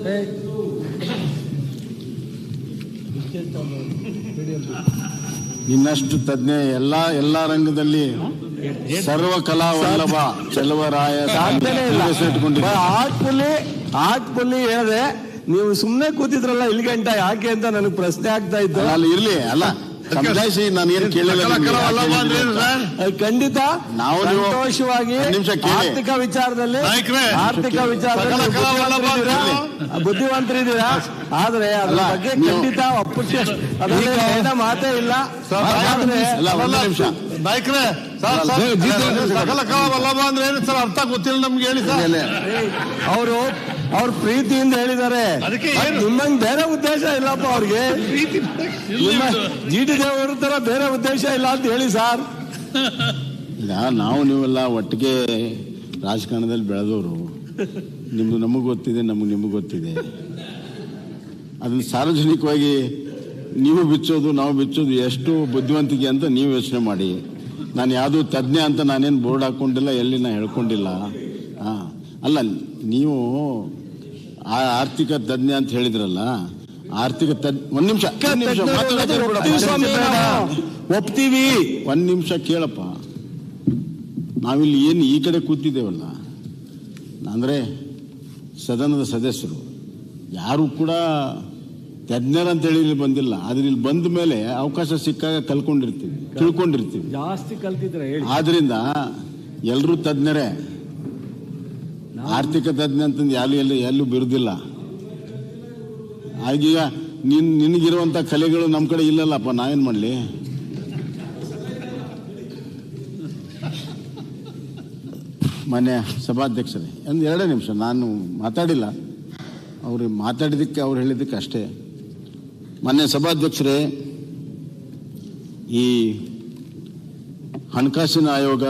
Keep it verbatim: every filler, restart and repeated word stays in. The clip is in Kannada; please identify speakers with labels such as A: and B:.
A: ಇನ್ನಷ್ಟು ತಜ್ಞ ಎಲ್ಲ ಎಲ್ಲಾ ರಂಗದಲ್ಲಿ ಸರ್ವ ಕಲಾ ವಲ್ಲಭ ಚೆಲುವರಾಯ
B: ಸಾಧ್ಯನೇ ಇಲ್ಲ. ಆರ್ಟ್ ಪುಲ್ಲಿ ಆರ್ಟ್ ಪುಲ್ಲಿ ಹೇಳಿದೆ, ನೀವು ಸುಮ್ಮನೆ ಕೂತಿದ್ರಲ್ಲ ಇಲ್ಲಿ ಗಂಟ ಯಾಕೆ ಅಂತ ನನಗೆ ಪ್ರಶ್ನೆ ಆಗ್ತಾ ಇತ್ತು.
A: ಅಲ್ಲಿ ಇರ್ಲಿ ಅಲ್ಲ ಸಮಜಾಯಿಸಿ ನಾನು ಏನು ಕೇಳಿಲ್ಲ.
B: ಖಂಡಿತ
A: ನಾವು
B: ಸಂತೋಷವಾಗಿ ಆರ್ಥಿಕ ವಿಚಾರದಲ್ಲಿ ಆರ್ಥಿಕ ವಿಚಾರದಲ್ಲಿ ಬುದ್ಧಿವಂತರಿದ್ದೀರಾ, ಆದ್ರೆ ಅದ್ರ ಬಗ್ಗೆ ಖಂಡಿತ ಒಪ್ಪುಚ್ಚ ಅದನ್ನ ಮಾತೇ ಇಲ್ಲ.
C: ನಾಯ್ಕ್ರೆ ಸಕಲ ಕಲಾ ವಲ್ಲಭ ಅಂದ್ರೆ ಏನು ಸರ್ ಅರ್ಥ ಗೊತ್ತಿಲ್ಲ ನಮ್ಗೆ, ಹೇಳಿ ಸರ್.
B: ಅವರು ಅವ್ರ ಪ್ರೀತಿಯಿಂದ ಹೇಳಿದ್ದಾರೆ, ನಿಮ್ಮಂಗ್ ಬೇರೆ ಉದ್ದೇಶ ಇಲ್ಲಪ್ಪ ಅವ್ರಿಗೆ. ಜಿ ಟಿ ದೇವರು ತರ ಬೇರೆ ಉದ್ದೇಶ ಇಲ್ಲ ಅಂತ ಹೇಳಿ ಸರ್.
A: ಈಗ ನಾವು ನೀವೆಲ್ಲ ಒಟ್ಟಿಗೆ ರಾಜಕಾರಣದಲ್ಲಿ ಬೆಳೆದವರು, ನಿಮ್ದು ನಮಗೆ ಗೊತ್ತಿದೆ, ನಮಗೆ ನಿಮಗೆ ಗೊತ್ತಿದೆ. ಅದನ್ನ ಸಾರ್ವಜನಿಕವಾಗಿ ನೀವು ಬಿಚ್ಚೋದು ನಾವು ಬಿಚ್ಚೋದು ಎಷ್ಟು ಬುದ್ಧಿವಂತಿಕೆ ಅಂತ ನೀವು ಯೋಚನೆ ಮಾಡಿ. ನಾನು ಯಾವುದು ತಜ್ಞ ಅಂತ ನಾನೇನು ಬೋರ್ಡ್ ಹಾಕೊಂಡಿಲ್ಲ, ಎಲ್ಲಿ ನಾ ಹೇಳ್ಕೊಂಡಿಲ್ಲ. ಹಾ ಅಲ್ಲ, ನೀವು ಆ ಆರ್ಥಿಕ ತಜ್ಞ ಅಂತ ಹೇಳಿದ್ರಲ್ಲ, ಆರ್ಥಿಕ ತಜ್ಞ ಒಂದ್ ನಿಮಿಷ
B: ಒಪ್ತೀವಿ,
A: ಒಂದ್ ನಿಮಿಷ ಕೇಳಪ್ಪ. ನಾವಿಲ್ಲಿ ಏನು ಈ ಕಡೆ ಕೂತಿದ್ದೇವಲ್ಲ, ಅಂದ್ರೆ ಸದನದ ಸದಸ್ಯರು ಯಾರು ಕೂಡ ತಜ್ಞರಂತ ಹೇಳಿ ಇಲ್ಲಿ ಬಂದಿಲ್ಲ. ಆದ್ರೆ ಇಲ್ಲಿ ಬಂದ ಮೇಲೆ ಅವಕಾಶ ಸಿಕ್ಕಾಗ ಕಲ್ಕೊಂಡಿರ್ತೀವಿ, ತಿಳ್ಕೊಂಡಿರ್ತೀವಿ.
B: ಜಾಸ್ತಿ ಕಲ್ತಿದ್ರೆ
A: ಆದ್ರಿಂದ ಎಲ್ಲರೂ ತಜ್ಞರೇ. ಆರ್ಥಿಕ ತಜ್ಞ ಅಂತಂದು ಯಾರು ಎಲ್ಲಿ ಎಲ್ಲೂ ಬಿರುದಿಲ್ಲ. ಆಗೀಗ ನಿನ್ ನಿನಗಿರುವಂತ ಕಲೆಗಳು ನಮ್ಮ ಕಡೆ ಇಲ್ಲಲ್ಲಪ್ಪ, ನಾವೇನ್ ಮಾಡ್ಲಿ? ಮಾನ್ಯ ಸಭಾಧ್ಯಕ್ಷರೇ, ಒಂದು ಎರಡೇ ನಿಮಿಷ, ನಾನು ಮಾತಾಡಿಲ್ಲ, ಅವ್ರು ಮಾತಾಡಿದ್ದಕ್ಕೆ ಅವ್ರು ಹೇಳಿದ್ದಕ್ಕೆ ಅಷ್ಟೇ. ಮಾನ್ಯ ಸಭಾಧ್ಯಕ್ಷರೇ, ಈ ಹಣಕಾಸಿನ ಆಯೋಗ